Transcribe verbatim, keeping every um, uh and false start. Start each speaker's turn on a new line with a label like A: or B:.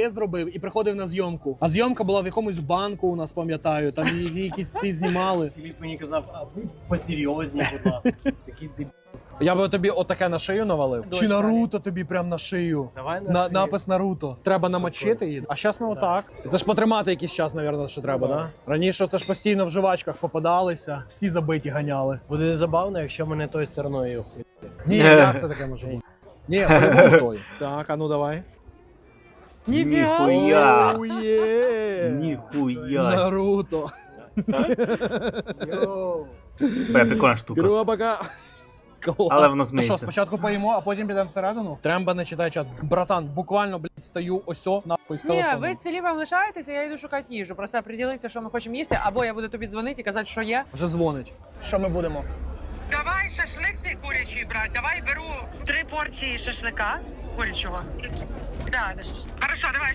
A: АТС зробив і приходив на зйомку. А зйомка була в якомусь банку, у нас, пам'ятаю, там якісь ці знімали.
B: Філіп мені казав, а ви посерйозні, будь ласка. Такий дебіл.
A: Я би тобі отаке на шию навалив.
B: Дощ,
A: Чи Наруто тобі прям на шию.
B: Давай на
A: На,
B: шию.
A: напис Наруто. Треба намочити її. А зараз ми отак. Це ж потримати якийсь час, мабуть, що треба, да? Раніше це ж постійно в жувачках попадалися, всі забиті ганяли.
B: Буде забавно, якщо мене тою стороною хуй.
A: Ні, як це таке може бути? Ні, по-любому той. Так, а ну давай.
C: Ніхуя.
A: Оує!
C: Ніхуя.
A: Наруто.
C: Бля, прикольна штука.
A: Грубака. Клас.
C: Але воно
A: Ну
C: змиється.
A: що, спочатку поїмо, а потім підемо всередину? Тремба не читає чат. Братан, буквально, блядь, стою осьо, нахуй, з
D: Ні,
A: телефоном.
D: ви з Філіпом лишаєтеся, я йду шукати їжу. Просто приділитися, що ми хочемо їсти, або я буду тобі дзвонити і казати, що є.
A: Вже дзвонить. Що ми будемо?
D: Давай шашлик цей курячий брати. Давай беру три порції шашлика курячого. Да, хорошо, давай.